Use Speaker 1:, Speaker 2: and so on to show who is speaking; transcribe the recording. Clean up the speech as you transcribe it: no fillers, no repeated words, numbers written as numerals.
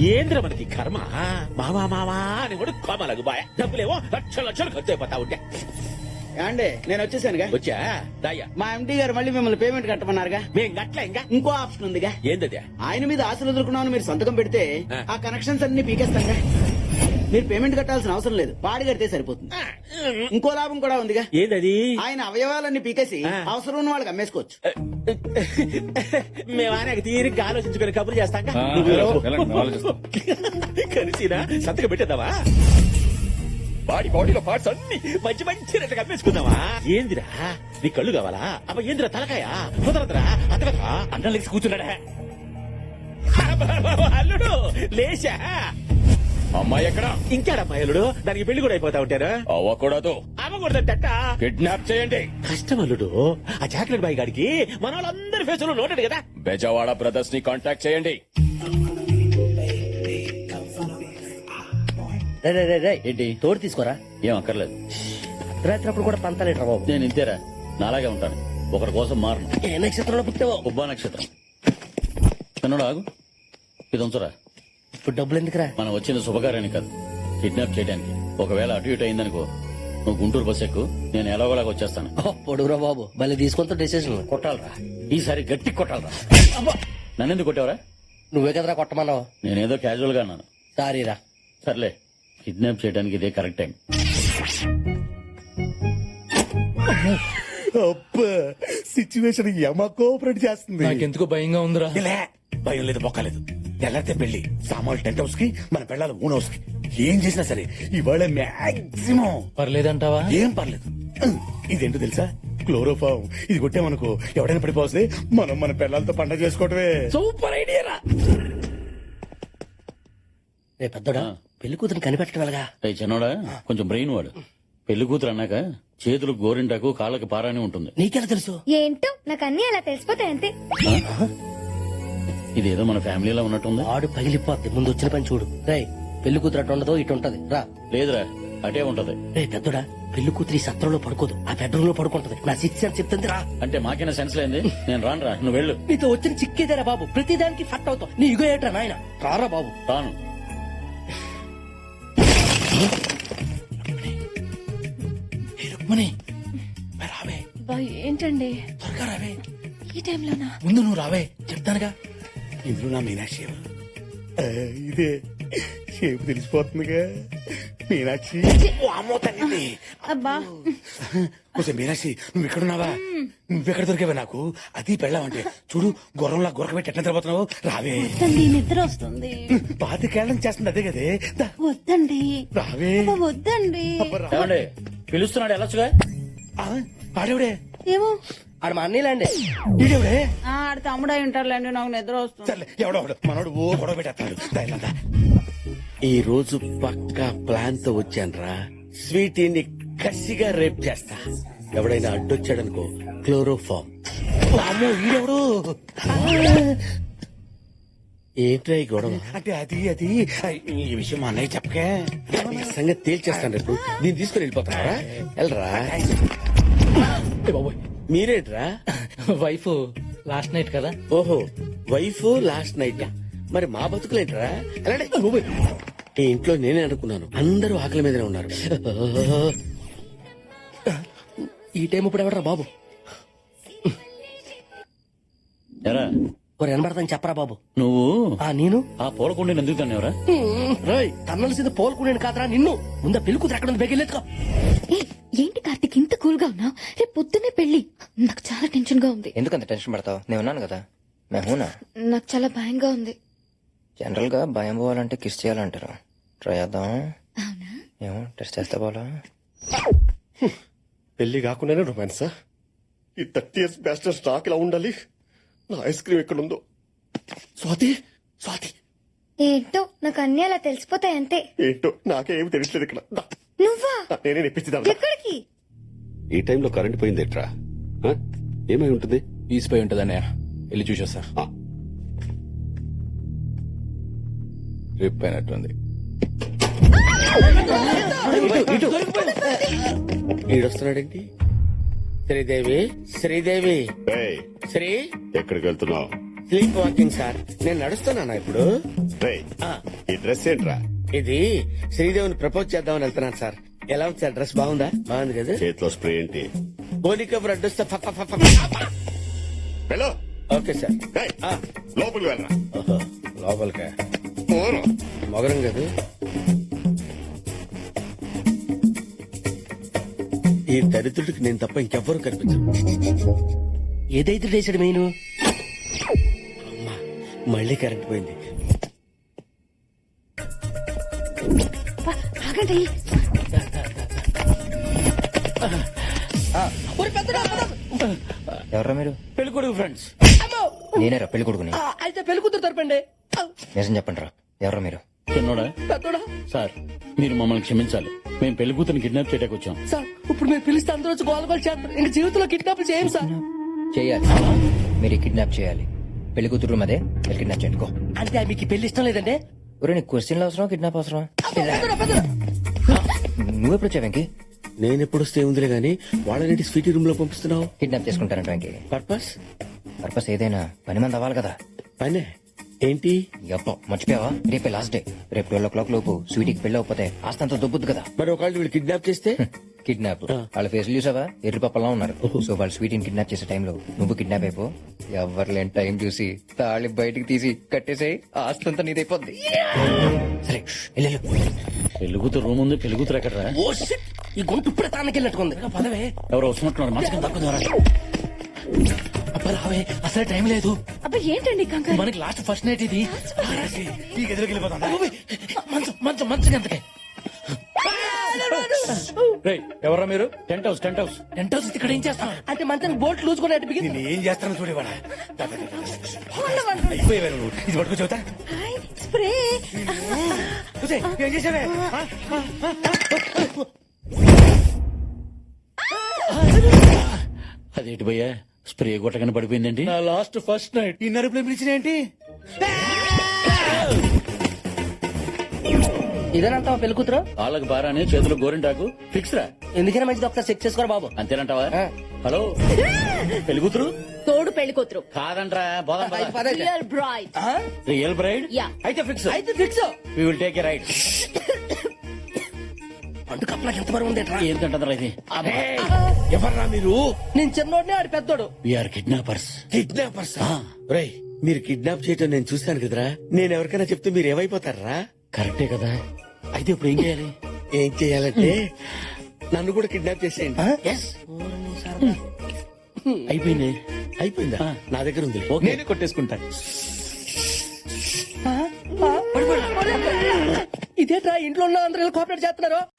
Speaker 1: ఏంద్ర మనకి కర్మ మావా మావా అని కూడా కోమలకు బాయ్ డబ్బులేమో లక్షలు ఖర్చు అయిపోతా ఉంటే.
Speaker 2: అండి నేను వచ్చేసానుగా.
Speaker 1: వచ్చా దాయ్యా
Speaker 2: మా ఎండి గారు మళ్ళీ మిమ్మల్ని పేమెంట్ కట్టమన్నారుగా.
Speaker 1: మేం గట్ల ఇంకా
Speaker 2: ఇంకో ఆప్షన్ ఉందిగా.
Speaker 1: ఏందది?
Speaker 2: ఆయన మీద ఆశలు వదులుకున్నామని మీరు సంతకం పెడితే
Speaker 1: ఆ.
Speaker 2: ఆ కనెక్షన్స్ అన్ని పీకేస్తాంగా. మీరు పేమెంట్ కట్టాల్సిన అవసరం లేదు, పాడి కడితే సరిపోతుంది. ఇంకో లాభం కూడా ఉందిగా.
Speaker 1: ఏందది?
Speaker 2: ఆయన అవయవాలన్నీ పీకేసి
Speaker 1: ఆ.
Speaker 2: అవసరం ఉన్న వాళ్ళకి అమ్మేసుకోవచ్చు.
Speaker 1: మేము ఆయన తీరిగ్గా ఆలోచించుకుని కబుర్లు చేస్తాం కలిసినా సంతకం పెట్టేద్దామా? బాడీలో పార్ట్స్ అన్ని మంచి మంచి రెట్టు కమ్మేసుకుందామా? ఏందిరా నీ కళ్ళు కావాలా? అబ్బ ఏందిరా తలకాయ కుదరదురా అతగదా అన్నం లేచి కూర్చున్నాడా? అల్లుడు లేచా.
Speaker 3: అమ్మాయి ఎక్కడ?
Speaker 1: ఇంకాడమ్మా అల్లుడు, దానికి పెళ్లి కూడా అయిపోతా ఉంటారు.
Speaker 3: అవ్వకూడదు.
Speaker 1: అవ్వకూడదట.
Speaker 3: కిడ్నాప్ చేయండి.
Speaker 1: కష్టం అల్లుడు, ఆ చాక్లెట్ బాయ్ గాడికి మన వాళ్ళందరి ఫేసులో నోటెడ్ కదా.
Speaker 3: బెజవాడ బ్రదర్స్ ని కాంటాక్ట్ చేయండి.
Speaker 4: ఏంటి తోడు తీసుకోరా?
Speaker 3: ఏం అక్కర్లేదు.
Speaker 4: రాత్రి కూడా పంతలేట్రా బాబు.
Speaker 3: నేను ఇంతేరా, నాలాగే ఉంటాను. ఒకరి కోసం మారను.
Speaker 4: ఏ నక్షత్రంలో పుట్టావో?
Speaker 3: ఉబ్బా నక్షత్రం. కన్నడ ఆగు, ఇది ఉంచరా.
Speaker 4: ఇప్పుడు డబ్బులు ఎందుకురా?
Speaker 3: మనం వచ్చిన శుభకార్యానికి కాదు, కిడ్నాప్ చేయడానికి. ఒకవేళ అటు ఇటు అయిందనుకో, నువ్వు గుంటూరు బస్ ఎక్కు, నేను ఎలాగోలాగా వచ్చేస్తాను.
Speaker 4: పొడుగురా బాబు, మళ్ళీ తీసుకుంటా డెసిషన్.
Speaker 3: కొట్టాలరా, ఈసారి గట్టి కొట్టాలరా. నన్నెందుకు కొట్టావరా?
Speaker 4: నువ్వే కదరా కొట్టమన్నావు.
Speaker 3: నేనేదో క్యాజువల్ గా అన్నాను.
Speaker 4: సారీరా.
Speaker 3: సర్లే, కిడ్నాప్ చేయడానికి ఇదే కరెక్ట్ టైం.
Speaker 5: సిచ్యువేషన్ యమ కోఆపరేట్ చేస్తుంది.
Speaker 6: నాకెందుకో భయంగా ఉందిరా.
Speaker 5: ఇలా భయం లేదు, బొక్కలేదు. ఎల్లరితే పెళ్లి సామాన్లు 10 హౌస్ కి, మన పెళ్ళాలు 3 హౌస్ కి. ఏం చేసినా సరే ఇవాళ మాక్సిమం
Speaker 6: పర్లేదంటావా?
Speaker 5: ఏం పర్లేదు. ఇదేంటో తెలుసా? క్లోరోఫామ్. ఇది కొట్టామనుకో ఎవడైనా పడిపోతే మనం మన పిల్లలతో పంట చేసుకోవటమే.
Speaker 4: సూపర్ ఐడియా రా. రే పెద్దోడా, పెళ్లి కూతురు కనిపెట్టడం ఎలాగా?
Speaker 3: చిన్నోడా, కొంచెం బ్రెయిన్ వాడు. పెళ్లి కూతురు అన్నాక చేతులకు గోరింటాకు, కాళ్ళకి పారాని ఉంటుంది.
Speaker 4: నీకెలా తెలుసు?
Speaker 7: ఏంటో నాకు అన్ని అలా తెలిసిపోతాయి అంతే.
Speaker 3: ఇదేదో మన ఫ్యామిలీలో ఉన్నట్టుంది.
Speaker 4: ఆడు పగిలిపోద్ది. ముందు వచ్చిన పని చూడు. రే పెళ్లి కూతురు అటు ఉండదో ఇటు ఉంటది. రా.
Speaker 3: లేదురా, అటే ఉంటది.
Speaker 4: రే పెద్దోడా, పెళ్లి కూతురు ఈ సత్రంలో పడుకోదు, ఆ బెడ్రూమ్ లో పడుకుంటది. నా సిక్స్ అని చెప్తుంది. రా.
Speaker 3: అంటే మాకైనా సెన్స్ లేంది. నేను రానురా, నువ్వు వెళ్ళు.
Speaker 4: నీతో వచ్చిన చిక్కేదేరా బాబు, ప్రతిదానికి ఫట్ అవుతావు. నీ ఇగో ఏట్రా నాయన. రారా బాబు.
Speaker 3: రాను.
Speaker 5: రావే,
Speaker 7: ఏంటండి
Speaker 5: త్వరగా రావే.
Speaker 7: ఈ టైంలోనా?
Speaker 5: ముందు నువ్వు రావే, చెప్తానుగా. ఇందులో నా మీనాక్షి ఎవరు? ఇదే షేపు తెలిసిపోతుందిగా. మీనాక్షి. ఓ అమ్మో తల్లి.
Speaker 7: అబ్బా
Speaker 5: కొంచెం మీనాక్షి, నువ్వు ఎక్కడున్నావా? నువ్వెక్కడ దొరికావా నాకు? అది పెళ్ళావంటే చూడు, గుర్రంలా గురకబెట్టి ఎట్లా తిరగబోతున్నావు. రావే.
Speaker 7: వద్దండి, నిద్ర వస్తుంది.
Speaker 5: పాతికేళ్ళం చేస్తుంది అదే కదే. దా,
Speaker 7: వద్దండి.
Speaker 5: రావే.
Speaker 7: అబ్బా, వద్దండి.
Speaker 5: అబ్బా, రా.
Speaker 3: ఏమండి, పిలుస్తున్నాడు, వెళ్ళొచ్చుగా.
Speaker 5: ఆ, ఆడెవడే?
Speaker 7: ఏమో.
Speaker 4: ఆడు మా అన్నీలాండి.
Speaker 5: ఈడెవడే?
Speaker 8: ఆడ తమ్ముడై ఉంటారులేండి, నాకు నిద్ర వస్తుంది.
Speaker 5: సర్లే, ఎవడో మనోడు ఓ గొడవ పెట్టేస్తాడు. దా.
Speaker 1: ఈ రోజు పక్కా ప్లాన్ తో వచ్చాన్రా. స్వీటీని కసిగా రేప్ చేస్తా. ఎవడైనా అడ్డొచ్చాడనుకో, క్లోరోఫామ్.
Speaker 5: అమ్మో, ఈడెవడు?
Speaker 1: ఏంట్రా ఈ గొడవ?
Speaker 5: అంటే అది ఈ విషయం మా అన్నయ్య చెప్పకే.
Speaker 1: ఈ సంగతి తేల్చేస్తాను రేపు. దీన్ని తీసుకుని వెళ్ళిపోతారా? వెళ్ళరా. మీరేంట్రా?
Speaker 6: వైఫ్ లాస్ట్ నైట్ కదా.
Speaker 1: ఓహో, వైఫ్ లాస్ట్ నైట్. మరి మా బతుకులేంట్రా? ఎలాంటి ఈ ఇంట్లో నేనే అనుకున్నాను, అందరూ ఆకలి మీదనే ఉన్నారు.
Speaker 4: ఈ టైం ఇప్పుడు ఎవడరా బాబు?
Speaker 3: ఎరా,
Speaker 4: ఒక వినబడతాను చెప్పరా బాబు.
Speaker 3: నువ్వు
Speaker 4: నేను
Speaker 3: ఆ పూలకుండీని ఎందుకు తన్నావురా?
Speaker 4: రాయ్ తన్నలసింది పోల్కునేను కాదరా నిన్ను. ముందా పెళ్లి కూతురు ఎక్కడ ఉంది? బెగిలేదుకో.
Speaker 7: ఏంటి కార్తీక్ ఇంత కూల్ గా ఉన్నావు? రేపు పొద్దున్నే పెళ్లి. నాకు చాలా టెన్షన్ గా ఉంది.
Speaker 9: ఎందుకంత టెన్షన్ పడతావు? నేను ఉన్నాను కదా. మేమునా.
Speaker 7: నాకు చాలా భయంగా ఉంది.
Speaker 9: జనరల్ గా భయం పోవాలంటే కిస్ చేయాలంటారు. ట్రై చేద్దాం.
Speaker 7: అవునా?
Speaker 9: ఏమో టెస్ట్ చేస్తే పోలా.
Speaker 5: పెళ్లి కాకుండానే రొమాన్సా? ఈ 30 years బ్యాస్టర్ స్టాక్ ఇలా ఉండాలి. నా ఐస్ క్రీమ్ ఎక్కడ ఉందో? స్వాతి.
Speaker 7: ఏంటో నాకు అన్ని అలా తెలిసిపోతాయి అంతే.
Speaker 5: ఏంటో నాకే ఏమి తెలియట్లేదు ఇక్కడ. దా,
Speaker 7: నువ్వా?
Speaker 5: నేనే నెప్పించిదా.
Speaker 7: ఎక్కడికి?
Speaker 1: ఈ టైంలో కరెంట్ పోయిందేట్రా? ఏమై ఉంటుంది?
Speaker 6: తీసిపోయి ఉంటదన్నయ్య, వెళ్ళి చూసొస్తా. రిప్ అయినట్టుంది.
Speaker 1: ఈడొస్తున్నాడేంటి? శ్రీదేవి. శ్రీ
Speaker 5: ఎక్కడికి వెళ్తున్నావు?
Speaker 2: Sleep walking sir. నేను నడుస్తున్నానా ఇప్పుడు?
Speaker 5: రేయ్, ఈ డ్రెస్ ఏంట్రా?
Speaker 2: ఇది శ్రీదేవిని ప్రపోజ్ చేద్దామని వెళ్తున్నాను సార్. ఎలా ఉంది సార్? డ్రెస్ బాగుందా? బాగుంది కదా.
Speaker 5: చేతిలో స్ప్రే ఏంటి?
Speaker 2: పోనీ కబుర్ అడ్డొస్తే ఫ ఫ ఫ ఫ.
Speaker 5: వెళ్ళు.
Speaker 2: Okay sir.
Speaker 5: రేయ్, లోపలికి వెళ్ళరా.
Speaker 2: ఓహో, లోపలికా?
Speaker 5: పోను.
Speaker 2: మొగరం కదా. ఈ దరిద్రుడికి నేను తప్ప ఇంకెవ్వరూ కనిపించరు.
Speaker 4: ఏదైతే వేసాడు మెయిన్
Speaker 2: అమ్మా, మళ్ళీ కరెంట్ పోయింది.
Speaker 7: ఆగండి.
Speaker 9: ఎవర్రా మీరు?
Speaker 3: పెళ్లి కొడుకు ఫ్రెండ్స్.
Speaker 9: నేనేరా పెళ్లి కొడుకుని.
Speaker 4: అయితే పెళ్లి కూతురు తరపండి.
Speaker 9: నిజం చెప్పండి రా, ఎవరా మీరు?
Speaker 3: చిన్నోడా
Speaker 4: పెద్దోడా
Speaker 3: సార్, మీరు మమ్మల్ని క్షమించాలి. మేము పెళ్లి కూతురు కిడ్నాప్ చేయడానికి వచ్చాం.
Speaker 4: సార్, ఇప్పుడు మీరు పిలిస్తే అందరూ వచ్చి గోల గోల చేస్తారు. ఇంక జీవితంలో కిడ్నాప్ చేయం సార్.
Speaker 9: చేయాలి, మీరు కిడ్నాప్ చేయాలి. పెళ్లి కూతురు అదే మీరు కిడ్నాప్ చేయండి.
Speaker 4: అంటే మీకు ఈ పెళ్లి ఇష్టం లేదండి?
Speaker 9: ఒరే, నీకు క్వశ్చన్లు అవసరం, కిడ్నాప్ అవసరం? నువ్వెప్పుడు వచ్చావు వెంకీ?
Speaker 2: నేను ఎప్పుడు వస్తే ఉందిలే గానీ వాళ్ళని స్వీటీ రూమ్ లో పంపిస్తున్నావు.
Speaker 9: కిడ్నాప్ చేసుకుంటానంట వెంకీ.
Speaker 2: పర్పస్?
Speaker 9: పర్పస్ ఏదైనా పని మంది అవ్వాలి కదా.
Speaker 2: పనే ఏంటి?
Speaker 9: ఎప్పో మర్చిపోయావా? రేపే లాస్ట్ డే. రేపు 12 లోపు స్వీటీకి పెళ్లి అవ్వకపోతే ఆస్తంతా దొబ్బుద్దు కదా.
Speaker 2: మరి ఒకళ్ళు వీళ్ళు కిడ్నాప్ చేస్తే?
Speaker 9: కిడ్నాప్ వాళ్ళ ఫేస్ చూసావా? ఎర్రి పప్పలా ఉన్నారు. సో వాళ్ళు స్వీటీని కిడ్నాప్ చేసే టైంలో నువ్వు కిడ్నాప్ అయిపో. ఎవరు లేని టైం చూసి తాళి బయటికి తీసి కట్టేసేయి, ఆస్తంతా నీదైపోద్ది. సరే, వెళ్ళు.
Speaker 3: పెళ్లి కూతురు రూమ్ ఉంది. పెళ్లి కూతురు ఎక్కడరా?
Speaker 4: ఓ shit! ఈ గొంతు ఇప్పుడే తానకెళ్ళినట్టుకుంది. పదవే.
Speaker 3: ఎవరో వస్తున్నట్టున్నారు. మనసుకి తక్కువ
Speaker 4: అబ్బా రావే, అసలే టైం లేదు.
Speaker 7: అబ్బా ఏంటండి కంగారు?
Speaker 4: మనకి లాస్ట్ ఫస్ట్ నైట్ ఇది. ఈ గదిలోకి వెళ్ళిపోతాం. మంచం మంచం మంచం ఎంతకే?
Speaker 3: ఎవరా మీరు? Tent house. Tent house.
Speaker 4: Tent house ఇక్కడ ఏం చేస్తాం? అంటే మంచానికి బోల్ట్ లూజ్ కూడా అటు బిగింది.
Speaker 5: నేను ఏం చేస్తాను చూడేవాడా? అయిపోయేవారు నువ్వు. ఇది పట్టుకో చెబుతా.
Speaker 7: Hi, spray.
Speaker 5: చూసే, ఏం చేసావే?
Speaker 3: అదేంటి భయ్యా, స్ప్రే కొట్టగానే పడిపోయిందండి. నా లాస్ట్ ఫస్ట్ నైట్.
Speaker 5: ఈ నరుపులో పిలిచిన ఏంటి?
Speaker 4: ఇదేనంటావా పెళ్లి కూతురు?
Speaker 3: వాళ్ళకి బారానే, చేతులు గోరింటాకు. ఫిక్స్ రా.
Speaker 4: ఎందుకైనా మంచిది, ఒకసారి చెక్ చేసుకోరా బాబు.
Speaker 3: అంతేనంటావా? హలో, పెళ్లి కూతురు
Speaker 7: తోడు పెళ్లి కూతురు.
Speaker 3: కాదంట్రా. బోధం
Speaker 7: real bride.
Speaker 3: Real bride.
Speaker 7: Yeah.
Speaker 3: అయితే ఫిక్స్.
Speaker 4: అయితే fix.
Speaker 3: We will take a right.
Speaker 4: అంటు కప్పలకి ఎంత బరువు ఉందేట్రా?
Speaker 3: ఏంటంటారా ఇది?
Speaker 2: ఎవర్రా మీరు?
Speaker 4: నేను చిన్నోడిని, ఆడి పెద్దోడు.
Speaker 3: We're kidnappers.
Speaker 2: కిడ్నాపర్స్? రేయ్, మీరు కిడ్నాప్ చేయటం నేను చూశాను కదరా. నేను ఎవరికైనా చెప్తే మీరు ఏమైపోతారా?
Speaker 3: కరెక్టే కదా. అయితే ఇప్పుడు ఏం చేయాలి?
Speaker 2: ఏం చెయ్యాలంటే నన్ను కూడా కిడ్నాప్ చేసేయండి.
Speaker 3: అయిపోయింది.
Speaker 2: అయిపోయిందా? నా దగ్గర ఉంది.
Speaker 3: నేనే కొట్టేసుకుంటా.
Speaker 4: ఇదేట్రా ఇంట్లో ఉన్న అందరూ కోఆపరేట్ చేస్తున్నారు.